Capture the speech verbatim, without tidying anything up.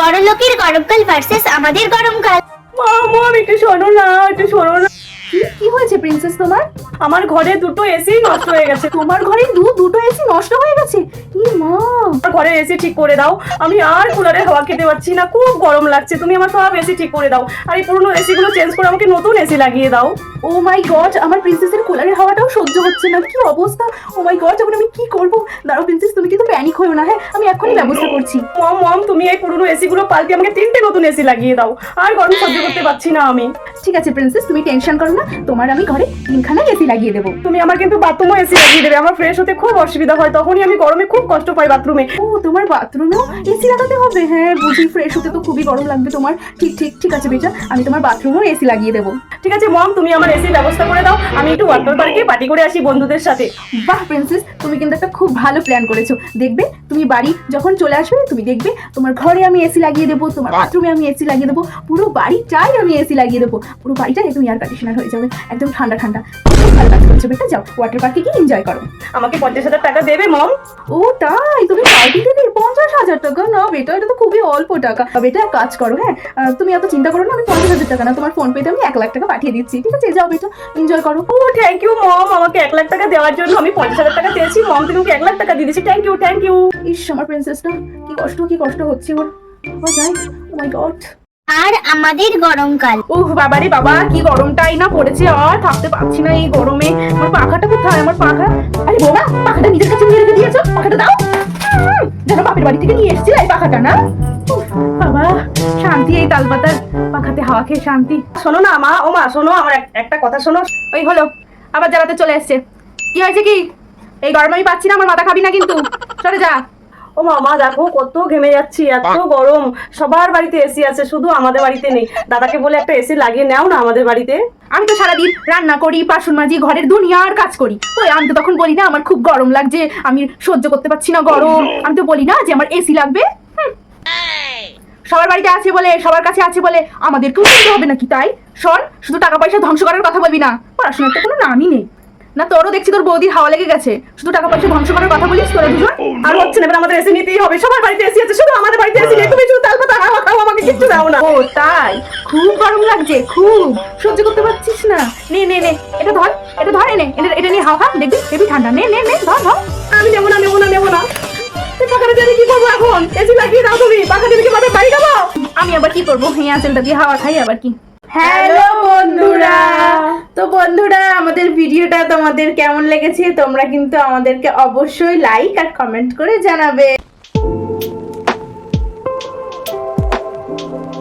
বড়লোকের গরমকাল ভার্সেস আমাদের গরমকাল। মা মম একটু শোনো না, একটু শোনো না। কি হয়েছে প্রিন্সেস তোমার? আমার ঘরে দুটো এসি নষ্ট হয়ে গেছে। তোমার ঘরে দু দুটো এসি নষ্ট হয়ে গেছে? ই মা, আমার ঘরে এসি ঠিক করে দাও, আমি আর কুলারের হাওয়া খেতে পাচ্ছি না, খুব গরম লাগছে। তুমি আমার সব এসি ঠিক করে দাও, আর এই পুরনো এসি গুলো চেঞ্জ করে আমাকে নতুন এসি লাগিয়ে দাও। ও মাই গড, আমার প্রিন্সেসের কুলারের হাওয়াটাও সহ্য হচ্ছে না, কি অবস্থা! ও মাই গড, এখন আমি কি করব? দাঁড়াও প্রিন্সেস, তুমি কিন্তু প্যানিক হয়েও না, হ্যাঁ আমি এখনই ব্যবস্থা করছি। মম মম তুমি এই পুরনো এসি গুলো পাল্টে আমাকে তিনটে নতুন এসি লাগিয়ে দাও, আর গরম সহ্য করতে পারছি না আমি। ঠিক আছে প্রিন্সেস, তুমি টেনশন করো না, তোমার আমি ঘরে তিনখানা এসি লাগিয়ে দেবো। তুমি আমার কিন্তু বাথরুমও এসি লাগিয়ে দেবে, আমার ফ্রেশ হতে খুব অসুবিধা হয়, তখনই আমি গরমে খুব কষ্ট পাই বাথরুমে। ও, তোমার বাথরুমেও এসি লাগাতে হবে? হ্যাঁ বুঝি, ফ্রেশ হতে তো খুবই গরম লাগবে তোমার। ঠিক ঠিক ঠিক আছে বেটা, আমি তোমার বাথরুমেও এসি লাগিয়ে দেবো। ঠিক আছে মম, তুমি আমার এসির ব্যবস্থা করে দাও, আমি একটু ওয়াটার পার্কে পার্টি করে আসি বন্ধুদের সাথে। বাহ প্রিন্সেস, তুমি কিন্তু একটা খুব ভালো প্ল্যান করেছো। দেখবে তুমি বাড়ি যখন চলে আসবে, তুমি দেখবে তোমার ঘরে আমি এসি লাগিয়ে দেবো, তোমার বাথরুমে আমি এসি লাগিয়ে দেবো, পুরো বাড়িটাই আমি এসি লাগিয়ে দেবো। পুরো বাড়িটাই একদম এয়ার কন্ডিশনার হয়ে যাবে, একদম ঠান্ডা ঠান্ডা। খুব ভালো কাজ করছো বেটা, যাও ওয়াটার পার্কে গিয়ে এনজয় করো। আমাকে পঞ্চাশ হাজার টাকা দেবে মম? ও তাই, তুমি পার্টি দেবে পঞ্চাশ হাজার টাকা? না বেটা, এটা তো খুবই অল্প টাকা। বেটা এক কাজ করো, হ্যাঁ আহ, তুমি এত চিন্তা করো না, আমি পঞ্চাশ হাজার টাকা না, তোমার ফোন পেতে আমি এক লাখ টাকা পাঠিয়ে দিচ্ছি, ঠিক আছে? যাও বেটা, এনজয় করো। ও থ্যাংক ইউ মম, আমাকে এক লাখ টাকা দেওয়ার জন্য। আমি পঞ্চাশ হাজার টাকা চেয়েছি, মম তুমি আমাকে এক লাখ টাকা দিয়ে দিয়েছি। Thank you thank you. ইস, আমার প্রিন্সেসটা কি কষ্ট কি কষ্ট হচ্ছে ওর। ও যাই, ও মাই গড। আর আমাদের গরমকাল। ওহ বাবারে বাবা, কি গরমটাই না পড়েছে, আর থাকতে পারছি না এই গরমে। আমার পাখাটা কোথায়? আমার পাখা, আরে বোমা, পাখাটা নিজের কাছে নিয়ে রেখে দিয়েছো, পাখাটা দাও। উম, যেন বাপের বাড়ি থেকে নিয়ে এসেছি এই পাখাটা, না? উফ, বাবা শান্তি, এই তালপাতার পাখাতে হাওয়া খেয়ে শান্তি। শোনো না মা, ও মা শোনো, আমার এক- একটা কথা শোনো। ওই হলো, আবার জ্বালাতে চলে এসছে। কি হয়েছে কি? এই গরম আমি পাচ্ছি না, আমার মাথা খাবি না কিন্তু, সরে যা। ও মা মা দেখো কত ঘেমে যাচ্ছি, এত গরম। সবার বাড়িতে এসি আছে, শুধু আমাদের বাড়িতে নেই। দাদাকে বলে একটা এসি লাগিয়ে নাও না আমাদের বাড়িতে। আমি তো সারাদিন রান্না করি, বাসন মাজি, ঘরের দুনিয়ার কাজ করি। ওই আমি তো তখন বলি না আমার খুব গরম লাগছে, আমি সহ্য করতে পারছি না গরম, আমি তো বলি না যে আমার এসি লাগবে। হুম। সবার বাড়িতে আছে বলে, সবার কাছে আছে বলে আমাদেরকেও কিনতে হবে নাকি? তাই শোন, শুধু টাকা পয়সা ধ্বংস করার কথা বলবি না, পড়াশোনার তো কোনো নামই নেই। না তোরও দেখছি তোর বৌদির হাওয়া লেগে গেছে, শুধু টাকা পয়সা ধ্বংস করার কথা বলিস তোরা দুজন। আর হচ্ছে না, এবার আমাদের এসি নিতেই হবে। সবার বাড়িতে এসি আছে, শুধু আমাদের বাড়িতে এসি নেই। তুমি শুধু তালপাতা হাওয়া খাও, আমাকে কিচ্ছু দাও না। ও তাই, খুব গরম লাগছে, খুব সহ্য করতে পারছিস না? নে নে নে, এটা ধর, এটা ধর, এনে এটা এটা নিয়ে হাওয়া খা, দেখবি হেবি ঠান্ডা। নে নে নে, ধর ধর। আমি নেবো না নেবো না নেবো না। তুই পাখাটা দিয়ে কি করবো এখন? এসি লাগিয়ে দাও তুমি, পাখা দিয়ে কি বাপের বাড়ি যাবো? আমি আবার কি করবো, এই আঁচলটা দিয়ে হাওয়া খাই আবার কি। হ্যালো বন্ধুরা। তো বন্ধুরা, আমাদের ভিডিওটা তোমাদের কেমন লেগেছে তোমরা কিন্তু আমাদেরকে অবশ্যই লাইক আর কমেন্ট করে জানাবে।